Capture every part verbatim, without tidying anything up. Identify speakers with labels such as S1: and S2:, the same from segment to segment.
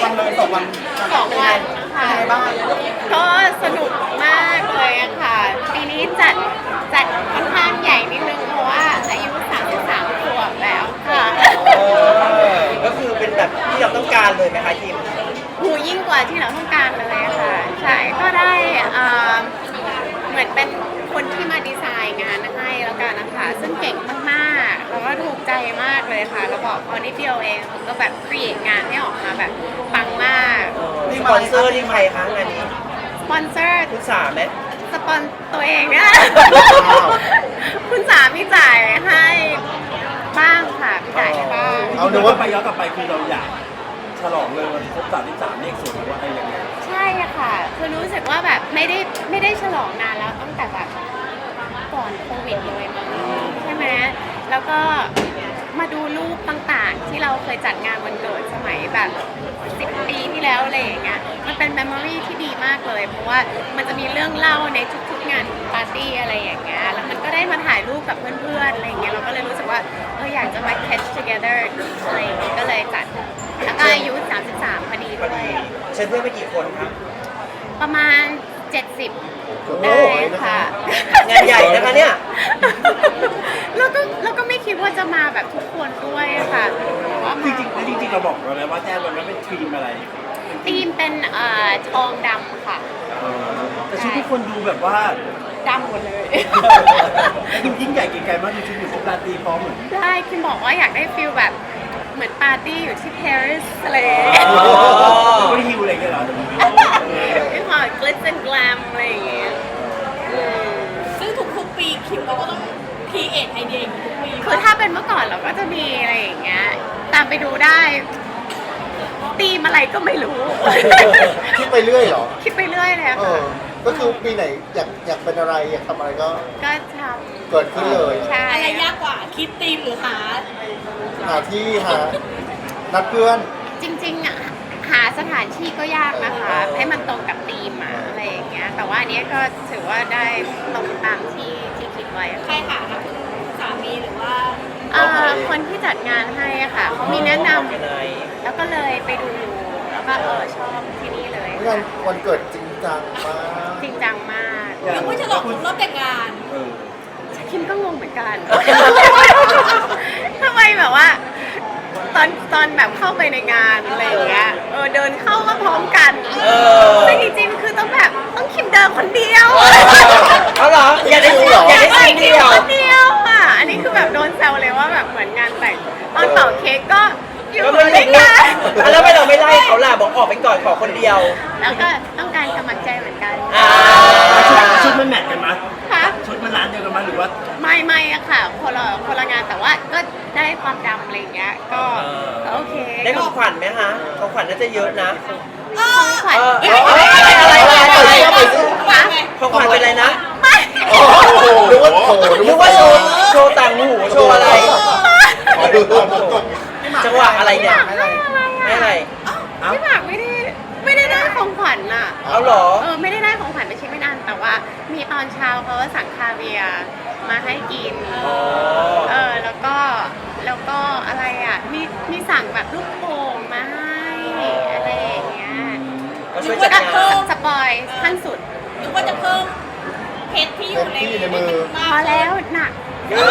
S1: วันเลยสองวัน
S2: สองวันค่ะ
S1: ยังไงบ้าง
S2: ก็สนุกมากเลยอะค่ะปีนี้จัดจัดค่อนข้างใหญ่นิดนึงเพราะว่าอายุสามสิบสามขวบแล้วค่ะ
S3: เออก็คือเป็นแบบที่เราต้องการเลยไหมคะคิม
S2: หูยิ่งกว่าที่เราต้องการเลยอะค่ะใช่ก็ได้อ่าเหมือนเป็นคนที่มาดีไซน์งานให้แล้วกันนะคะซึ่งเก่งมากๆแล้วก็ถูกใจมากเลยค่ะแล้วบอกพอนิดเดียวเองก็แบบครีเอทงานให้ออกมาแบบปังมาก
S3: สปอนเซอร์นี่ใครคะงานนี้
S2: สปอนเซอร์
S3: คุณสาไหม
S2: สปอนตัวเองเนี่ย คุณสามีจ่ายให้บ้างค่ะมีจ่ายให้บ้าง
S1: เอาดูว่าไปย้อนกลับไปคือเราอยากฉลองเลยวันครบสามที่สามเลขสวยหรือว่าอะไรอย่างเงี้ย
S2: ใช่อะค่ะ คือรู้สึกว่าแบบไม่ได้ไม่ได้ฉลองนานแล้วตั้งแต่แบบก่อนโควิดเลยมั้งใช่ไหมแล้วก็มาดูรูปต่างๆ ที่เราเคยจัดงานวันเกิดสมัยแบบสิบปีที่แล้วอะไรอย่างเงี้ย มันเป็นเมมโมรีที่ดีมากเลย เพราะว่ามันจะมีเรื่องเล่าในทุกๆงานปาร์ตี้อะไรอย่างเงี้ย แล้วมันก็ได้มาถ่ายรูปกับเพื่อนๆอะไรอย่างเงี้ย เราก็เลยรู้สึกว่าเอออยากจะมา catch together อะไรอย่างเงี้ยก็เลยจัด แล้วก็อายุสามสิบสามพอดี
S3: พอ
S2: ด้ว
S3: ดี
S2: ย
S3: เชิญเพื่อนไปกี่คนคะ
S2: ประมาณ เจ็ดสิบ
S1: โอ้โห
S2: ได้ค่ะ
S3: งานใหญ่นะคะเนี่ย
S2: แล้วก็แล้วก็ไม่คิดว่าจะมาแบบทุกคนด้วยค่ะแต่ว่า
S1: จริงๆแล้วจริงๆเราบอกเราแล้วว่าแจ้งวันนั้นเป็นทีมอะไร
S2: ธีมเป็นเอ่อทองดำค่ะ
S1: เออแต่ชุดทุกคนดูแบบว่า
S2: ดำหมดเลย
S1: ดูยิ่งใหญ่เก๋ไก่มากดูชุดอยู่ชุดราตรีพร้อมเหมือน
S2: ได้คิมบอกว่าอยากได้ฟิลแบบเหมือนปาร์ตี้อยู่ที่ปารีสอะไรอย่างเงี้ย
S1: แล้วก็ฮิวอะไรอย่างเงี้ยเหรอ
S2: เป็นความ glitz and glam อะไรอย่างเงี้ยอืม
S4: ซึ่งทุกๆปีคิมเราก็ต้องคีเอทไอเดียอย่างนี้ทุกปี
S2: คือถ้าเป็นเมื่อก่อนเราก็จะมีอะไรอย่างเงี้ยตามไปดูได้ตีมอะไรก็ไม่รู้
S5: คิดไปเรื่อยเหรอ
S2: คิดไปเรื่อยเลยอะ
S5: เอ
S2: ค่ะ
S5: อ ก็คือปีไหนอยากอยากเป็นอะไรอยากทำอะไรก็
S2: ก็ท
S5: เกิดขึ้นเลย
S2: ำใช่
S4: อะไรยากกว่าคิดธีมหรือหา
S5: หาที่หา นัดเพื่อน
S2: จริงๆอะหาสถานที่ก็ยากนะคะ ให้มันตรงกับธีมอะอะไรอย่างเงี้ยแต่ว่าอันเนี้ยก็ถือว่าได้ตรงตามที่ที่คิดไว้อะ
S4: ใคร
S2: ค่ะ
S4: หาคะคุณสามีหรือว่า
S2: เอ่อคนที่จัดงานให้อะค่ะเขามีแนะนำ
S3: ยังไง
S2: แล้วก็เลยไปดูแล้วก็เออชอบที่นี่เลย
S5: งานวันเกิดจริงจังมาก
S2: จริงจังมาก
S4: นึกว่าฉลองครบรอบแต่งงาน
S1: เออ
S2: คิมก็งงเหมือนกัน ทำไมแบบว่า ตอนตอนแบบเข้าไปในงานอะไรอย่างเงี้ยเออเดินเข้าก็พร้อมกัน
S3: เออ
S2: แต่จริงๆคือต้องแบบต้องคิมเดินคนเดียว
S3: เอาเหรออยากได้ซีนอยากได้ซีนเดียว
S2: คนเดียวอ่ะอันนี้คือแบบโดนแซวเลยว่าแบบเหมือนงานแต่งตอนเป่าเค้กก็อยู่
S3: ก็ไม่
S2: ด้
S3: ได้
S2: วยกัน
S3: แล้วไม่เราไม่ไล่เขาล่ะบอกออกไปก่อนขอคนเดียว
S2: แล้วก็ต้องการกำลังใจเหมือนกัน
S3: อ่า
S1: ชุดมันแมทกันมั้ย
S2: ค่ะ
S1: ชุดมันร้านเดียวกันมั้ยหรือว่า
S2: ไม่ไม่อะค่ะคนละคนละงานแต่ว่าก็ได้ความดำอะไรอย่างเงี้ยก็ก็โอเค
S3: ได้ของขวัญไหมคะของขวัญน่าจะเยอะนะ
S2: ของขวัญ
S3: เออ
S2: เย
S3: เอออะไรอะไรอะไรอะไร
S5: ไปสิ
S2: คะ
S3: ของขวัญเป็นอะไรนะ
S2: ไม่
S5: โอ้โหนึกว่าโถ
S3: นึกว่าโชว์โชว์ต่างหูโชว์อะไร
S5: ขอดูตอนก่อน
S3: จังหวะอะไรเนี่ย
S2: ไม่อะไร
S3: ไม่อะไร
S1: เอ้า
S2: พี่หมากไม่ได้ไม่ได้ได้ของขวัญอ่ะ
S3: เอาเหรอ
S2: เออไม่ได้ได้ของขวัญไปชิ้นไม่นานแต่ว่ามีตอนเช้าเขาสั่งคาเวียร์มาให้กินเออแล้วก็แล้วก็อะไรอ่ะมีมีสั่งแบบลูกโป่งมาให้อะไรอย่างเงี้ย
S3: ก็ช่วยจัดงาน
S2: สปอยขั้นสุด
S4: นึกว่าจะเพิ่มเพชรที่อยู่ใน
S5: เพชรที่อยู่ในมือ
S4: มา
S2: พอก แล้วหนัก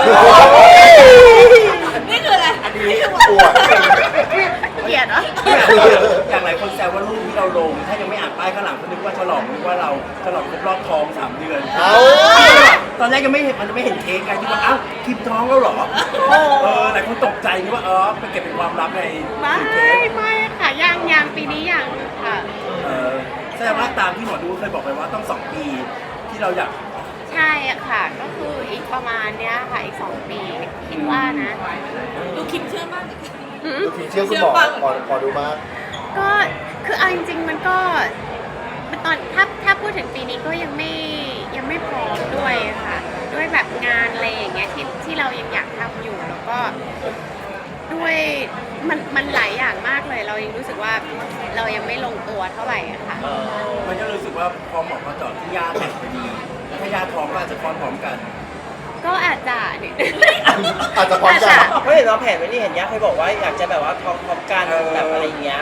S4: นี่คืออะไร
S1: อันนี้
S5: ปวด
S2: เกลียดเหรอ
S1: อย่างหลายคนแซวว่ารูปที่เราลง ถ้ายังไม่อ่านป้ายข้างหลังก็นึกว่าฉลองนึกว่าเราฉลองครบรอบท้องสามเดือน
S5: เอา
S1: ตอนแรกยังไม่เห็นมันไม่เห็นเค้กไงที่ว่าอ้าวคิมท้องแล้วเหรอเออหลายคนตกใจนึกว่าเออไปเก็บเป็นความลับใน
S2: ไม่
S1: เค้ก
S2: ไม่ค่ะยังยังปีนี้ยังค่ะ
S1: เออแสดงว่าตามที่หมอดูเคยบอกไปว่าต้องสองปีที่เราอยาก
S2: ใช่อะค่ะ ก็คืออีกประมาณเนี้ยค่ะอีกสองปีคิดว่านะ
S4: ดูคิมเชื่อมาก
S2: หืม
S5: ดูผีเชื่อคุณหมอหมอหมอดูมาก
S2: ก็คือเอาจริงๆมันก็มันตอนถ้าถ้าพูดถึงปีนี้ก็ยังไม่ยังไม่พร้อมด้วยค่ะ ด้วยแบบงานอะไรอย่างเงี้ยที่ที่เรายังอยากทำอยู่แล้วก็ด้วยมันมันหลายอย่างมากเลย เรายังรู้สึกว่าเรายังไม่ลงตัวเท่าไหร่อะค่ะ
S3: เออ
S1: มันก็รู้สึกว่าพอหมอมาเจอดที่ยาแตกพอดีแล้วถ้ายาท้องก็อาจจะคลอดพร้อมกัน
S2: ก็อาจจะนิด
S5: อาจจะพร้อมกัน
S2: อาจจะ
S3: เพราะเห็นเราแผนไว้นี่เห็นยักษ์เคยบอกว่าอยากจะแบบว่าท้องพร้อมกัน
S1: เออ
S3: แบบอะไรอย่างเงี้ย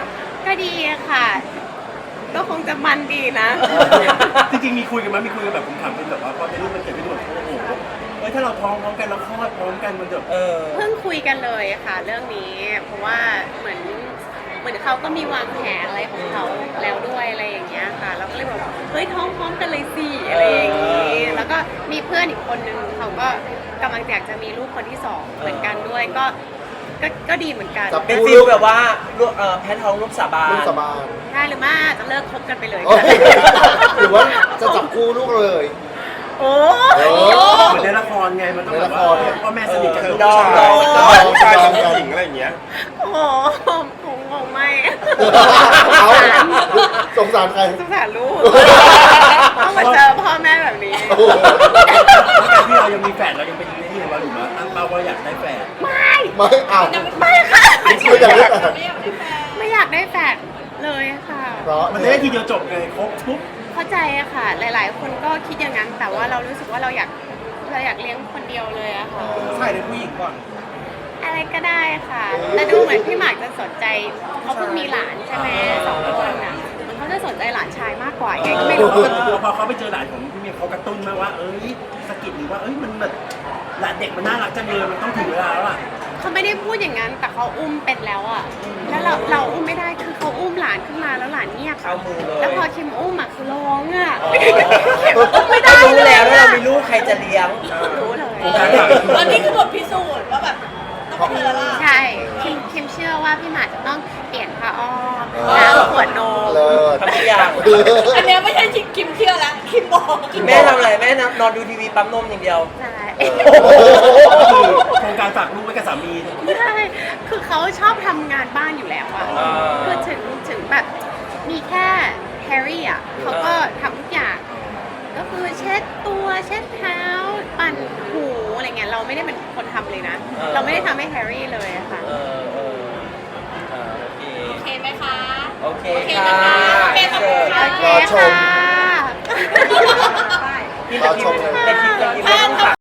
S2: ก็ดีอะค่ะ ก็คงจะมันดีนะ
S1: จริงๆมีคุยกันไหมมีคุยกันแบบผมถามเป็นแบบว่าพอเป็นลูกมันเกิดขึ้นแบบโอ้โหเอ้ยถ้าเราท้องพร้อมกันเราคลอดพร้อมกันมันจะ
S3: เออ
S2: เพิ่งคุยกันเลยค่ะ เรื่องนี้ เพราะว่าเหมือนเหมือนเขาก็มีวางแผนอะไรของเขาแล้วด้วยอะไรอย่างเงี้ยค่ะเราก็เลยบอกเฮ้ยท้องพร้อมกันเลยสิอะไรอย่างงี้แล้วก็มีเพื่อนอีกคนนึงเขาก็กำลังอยากจะมีลูกคนที่สองเหมือนกันด้วยก็ก็ก็ดีเหมือนกัน
S5: จับ
S3: เป็นฟิลแบบว่าลูกเอ่อแพ้ท้องลูกสาบาน
S5: ลูกสาบาน
S2: ได้หรือไม่จะเลิกคบกันไปเลย
S5: โอ้ยหรือว่าจะจับคู่ลูกเลย
S2: โอ้
S5: โอ้
S1: เหมือนในละครไงมันต้องแบบว่าพ่อแม่สนิทกันลูก
S3: ดอง
S1: ชาย
S3: ดอง
S5: ผู้ชายกับผู้หญิงอะไรอย่างเงี้ย
S2: โหผมคงไม่
S5: เอาสงสารใคร
S2: สงสารลูกต้องมาเจอพ่อแม่แบบนี้
S5: โอ้โห
S1: แล้วการที่เรายังมีแฝดเรายังเป็นที่ของเราอยู่มั้ยตั้งเป้าว่าอยากได้แฝด
S2: ไม่
S5: ไม่เอา
S2: ไม่ค่ะ
S5: ไม่อยากได้แต่
S4: ไม่อยากได้แฟน
S2: ไม่อยากได้แฟนเลยค่ะ
S5: เพราะ
S1: มันจะได้ทีเดียวจบไงครบทุก
S2: เข้าใจอะค่ะ หลาย ๆ คนก็คิดอย่างนั้น แต่ว่าเรารู้สึกว่าเราอยากเราอยากเลี้ยงคนเดียวเลยอะค่ะ
S3: ใช่เป็นผู้หญิงก่อน
S2: อะไรก็ได้ค่ะ แต่ดูเหมือนพี่หมากจะสนใจเขาเพิ่งมีหลานใช่ไหมสองคนอะเหมือนเขาจะสนใจหลานชายมากกว่าไงก็ไม่รู้
S1: พอเขาไปเจอหลานของพี่เมียเขากระตุ้นมาว่าเอ้ยสะกิดหรือว่าเอ้ยมันแบบหลานเด็กมันน่ารักจังเลยมันต้องถึงเวลาแล้วอ่ะ
S2: เขาไม่ได้พูดอย่างนั้น แต่เขาอุ้มเป็นแล้วอะแล้วเราเราอุ้มไม่ได้คือเขาอุ้มหลานขึ้นมาแล้วหลานเงียบ
S3: เข้ามือเลย
S2: แล้วพอคิมอุ้มอะคือร้องอะ
S3: อ๋อ
S2: อุ้มไม่ได้
S3: รู้
S2: เลย
S3: แล้วว่า
S2: อะ
S3: เรามีลูกใครจะเลี้ยง
S2: รู้เลย
S4: ตอนนี้คือบทพิสูจน์ว่าแบบต้องเป็นเธอละ
S2: ใช่คิมคิมเชื่อว่าพี่หมากจะต้องเปลี่ยนผ้าอ้อมล้างขวดนม
S5: เลิศ
S3: ทำทุกอย่าง
S4: อันเนี้ยไม่ใช่คิมเชื่อแล้วคิมบอก
S3: แม่ทำอะไรแม่นอนดูทีวีปั๊มนมอย่างเดียว
S2: ใช่
S1: คือโครงการฝากลูกไว้กับสามี
S2: ใช่คือเขาชอบทำงานบ้านอยู่แล้วอะ
S3: อ่า
S2: คือถึงถึงแบบมีแค่แฮร์รี่อะเขาก็ทำทุกอย่าง ก็คือเช็ดตัวเช็ดเท้าปั่นหูอะไรเงี้ยเราไม่ได้เป็นคนทำเลยนะ เราไม่ได้ทำให้แฮร์รี่เลยอะค่ะ
S3: เออเออเออโอเค
S4: โอเคไหมคะ
S3: โอเค
S4: โอเค
S3: ค่ะ
S4: นะคะโอเคขอบคุณค่ะ
S2: โอเค
S5: รอชม
S2: ค่ะ
S3: พี่จะกินในคลิปจะกินไม่ต้องฝาก